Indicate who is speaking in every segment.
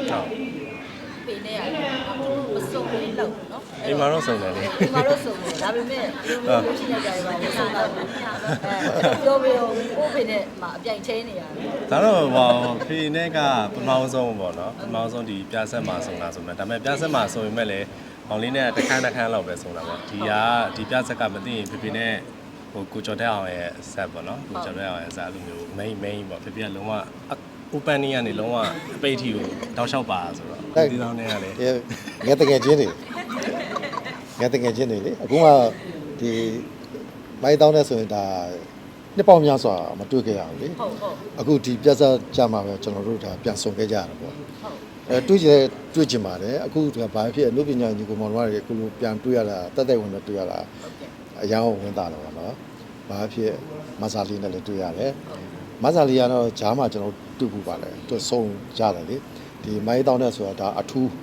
Speaker 1: ဖေနဲ့ရတယ်မစုံလေးလောက်နော်
Speaker 2: အိမ်မှာတော့စုံတယ်လေ
Speaker 1: အိမ်မှာတော့စုံတယ်ဒါပေမဲ့ဒီလိုမျိုးရှိနေကြတယ်ပါမစုံတော့ဘူးပြောပြီးတော့ကိုဖေနဲ့မှာအပြိုင်ချင်းနေရတယ်
Speaker 2: ဒါတော့ဟိုဖေနဲ့ကပထမဆုံးပေါ့နော်ပထမဆုံးဒီပြဆက်မှာစုံတာဆိုမှဒါပေမဲ့ပြဆက်မှာစုံရင်မဲ့လေအောင်လေးနဲ့တစ်ခန်းလောက်ပဲစုံတာပေါ့ဒီပြဆက်ကမသိရင်ဖေနဲ့ဟိုကိုကျော်တဲ့အောင်ရဲ့ဆက်ပေါ့နော်ကိုကျော်တဲ့အောင်ရဲ့ဆက်အဲ့လိုမျိုး main ပေါ့ဖေကလုံးဝopen နေကနေလုံးဝအပိတ်ထီကိုတောက်လျှောက်ပါဆိုတော့ဒီတောင်းနေရလေ
Speaker 3: ငါတကယ်ချင်းနေလေအခုမှဒီမိုင်းတောင်းတဲ့ဆိုရင်ဒါနှစ်ပေါင်းများစွာမတွေ့ခဲ့ရဘူးလေအခုဒီပြဿနာကြမှာပဲကျွန်တော်တို့ဒါပြန်ဆုံခဲ့ကြရတယ်ပေါ့တွေ့ချင်ပါတယ်အခုကဘာဖြစ်အနုပညာညီကိုမောင်တို့ကအခုလိုပြန်တွေ့ရတာတက်ဝင်တော့တွေ့ရတာအယောင်ဝင်တာတော့နော်ဘာဖြစ်မဆာလီနဲ့လည်းတွေ့ရတယ်မဆာလီကတော့ဂျားမှာကျွန်တော်တွေ့ဖို့ပါလေသူဆုံးကြတယ်လေဒီမိုင်းတောင်းတဲ့ဆိုတာဒါအထူး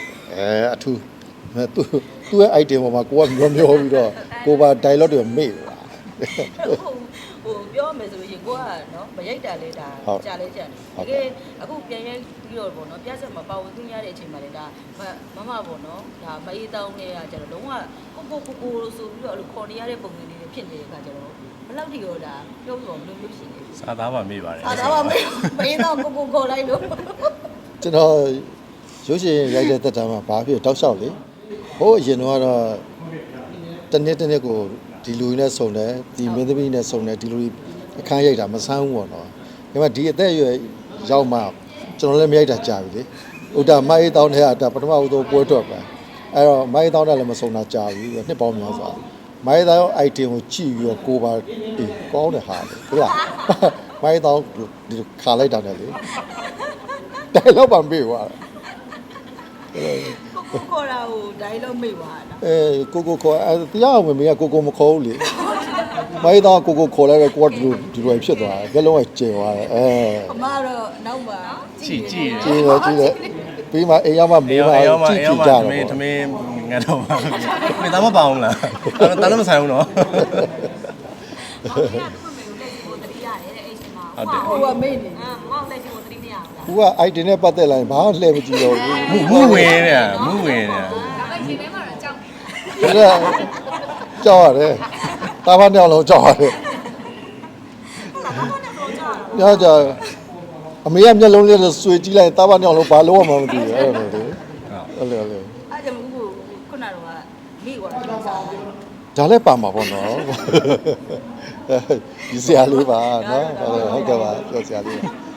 Speaker 3: သူ့ရဲ့ item ပေါ်မှာကိုကမျောပြီးတော့ကိုပါ dialogue တွေမေ့ပါ
Speaker 1: ဟိုပြောမယ်ဆိုရင်ကိုကနော်မရိုက်တာလေဒါကြာလဲကြာတယ်တကယ်အခုပြန်ရိုက်ပြီးတော့ပေါ့နော်ပြဆက်မှာပါဝင်ခွင့်ရတဲ့အချိန်မှာလေဒါမမပေါ့နော်ဒါမအေးတောင်းနေရကြတော့လုံးဝကိုဆိုပြီးတော့အဲ့လိုခေါ်နေရတဲ့ပုံစံလေးတွေဖြစ်နေတဲ့အခါကျတော့ဘယ်လောက်ထိရောဒါပြောလို့မလို့ရှိနေ
Speaker 2: စားသားပါမေ့ပါတယ်
Speaker 1: စားသားပါမေ့မအေးတော့ကိုခေါ်လိုက်လို့
Speaker 3: ကျွန်တော်ရုပ်ရှင်ရိုက်တဲ့တက်တာမှာဘာဖြစ်တောက်လျှောက်လေဟိုအရင်တော့တနေ့ကိုဒီလူနဲ့စုံတယ်ဒီမင်းသမီးနဲ့စုံတယ်ဒီလူအခန်းရိုက်တာမဆန်းဘူးပေါ့နော်ဒါပေမဲ့ဒီအသက်အရွယ်ရောက်မှကျွန်တော်လည်းမရိုက်တာကြာပြီလေဥဒါမိုင်းတောင်းတဲ့တာပထမဦးဆုံးပွဲထွက်ပဲအဲ့တော့မိုင်းတောင်းတယ်လည်းမစုံတာကြာပြီနှစ်ပေါင်းများစွာမိုင်းတောင်း item ကိုကြည့်ပြီးတော့ကိုပါကောင်းတယ်ဟာလေဟုတ်လားမိုင်းတောင်းဒီခါလိုက်တာနဲ့လေတိုင်တော့ပါမေ့သွား
Speaker 1: ကိုခေါ်တာဟိုဒိုင်းလုံးမိတ်သွားတာ
Speaker 3: ကိုခေါ်တရားဝင်မင်းကကိုမခေါ်ဘူးလေမိုင်းတော့ကိုခေါ်လိုက်တော့ကိုကဒီလိုဖြစ်သွားတယ်ဘယ်လုံးကကျေသွားတယ်
Speaker 1: အမတော့နောက်မှာ
Speaker 2: ကြည့်
Speaker 3: တယ်ပြီးမှအိမ်ရောက်မှမေးမှကြည့်ကြတော့
Speaker 2: သမင်းငါတော့မင်းသားမပါအောင်လားတားလည်းမဆိုင်ဘူးနော်
Speaker 1: ဟိုကမေ့နေမောက်လက်ချင်ကိုသတိမရဘူး
Speaker 3: လားသူက item နဲ့ပတ်သက်လာရင်ဘာမှလှည့်မကြည့်တော့ဘူး
Speaker 2: မူဝင်နေတာ
Speaker 1: ဒါပေမဲ့ဒီထဲမှာတော့ကြောက်
Speaker 3: ကြောက်ရတယ်တာဘာနှစ်ယောက်လုံးကြောက်ရတယ်ညကြအမေကမျက်လုံးလေးဆွေကြည့်လိုက်တာဘာနှစ်ယောက်လုံးဘာလို့မှမသိဘူးအဲ့လိုလေအဲ့လို
Speaker 1: အဲ့ကြောင့်ခုနကတော့မိသွားတယ်စား
Speaker 3: ဒါလည်းပါမှာပေါ့နော်ဒီဆရာလေးပါနော်ဟုတ်ကဲ့ပါပြောဆရာလေး